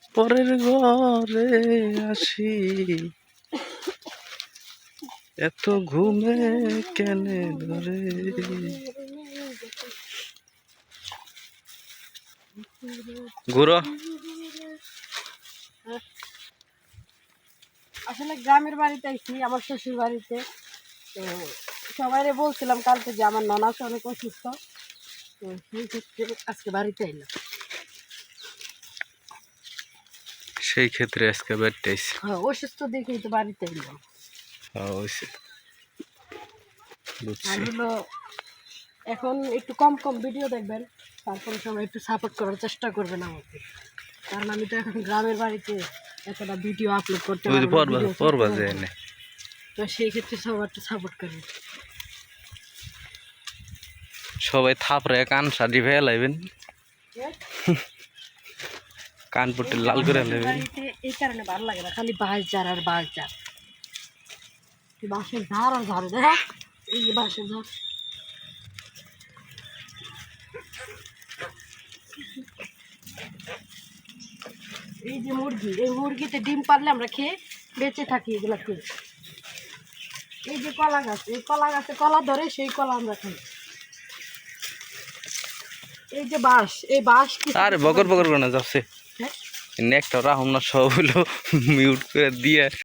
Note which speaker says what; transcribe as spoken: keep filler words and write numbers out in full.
Speaker 1: পরের ঘরে আসি এত ঘুমে কেনে ধরে। ঘুরো
Speaker 2: আসলে গ্রামের বাড়িতে আইছি আমার শ্বশুর বাড়িতে। তো সবাইরে বলছিলাম কালকে যে আমার ননাস অনেক অসুস্থ, তো সেই ক্ষেত্রে আজকে বাড়িতে এলাম।
Speaker 1: সেই ক্ষেত্রে আজকে বেড়তেছি।
Speaker 2: হ্যাঁ, অসুস্থ দেখেই তো বাড়িতে এলাম। আর হলো এখন একটু কম কম ভিডিও দেখবেন, তারপরে সবাই একটু সাপোর্ট করার চেষ্টা করবেন আমাকে, কারণ আমি তো এখন গ্রামের বাড়িতে একটা ভিডিও আপলোড করতে পারবো না, তো সেই ক্ষেত্রে সবাই একটু সাপোর্ট করবেন।
Speaker 1: সবাই থাপড়ে কান সাজি ভেয়ে লাইবেন, কান পট্টি লাল করে লাইবেন।
Speaker 2: এই কারণে ভালো লাগে না, খালি বাঁশ ঝাড় আর বাঁশ ঝাড়, বাঁশের ঝাড় আর ঝাড় দেখ, এই যে বাঁশের ঝাড়। এই যে মুরগি, এই মুরগিতে ডিম পারলে আমরা খেয়ে বেঁচে থাকি এগুলা খেয়ে। এই যে কলা গাছ, এই কলা গাছে কলা ধরে সেই কলা আমরা খাই। এই যে বাঁশ, এই বাঁশ
Speaker 1: আরে বকর বকর করে না যাচ্ছে, নেকটা রাহুম না সব হলো মিউট করে দিয়ে।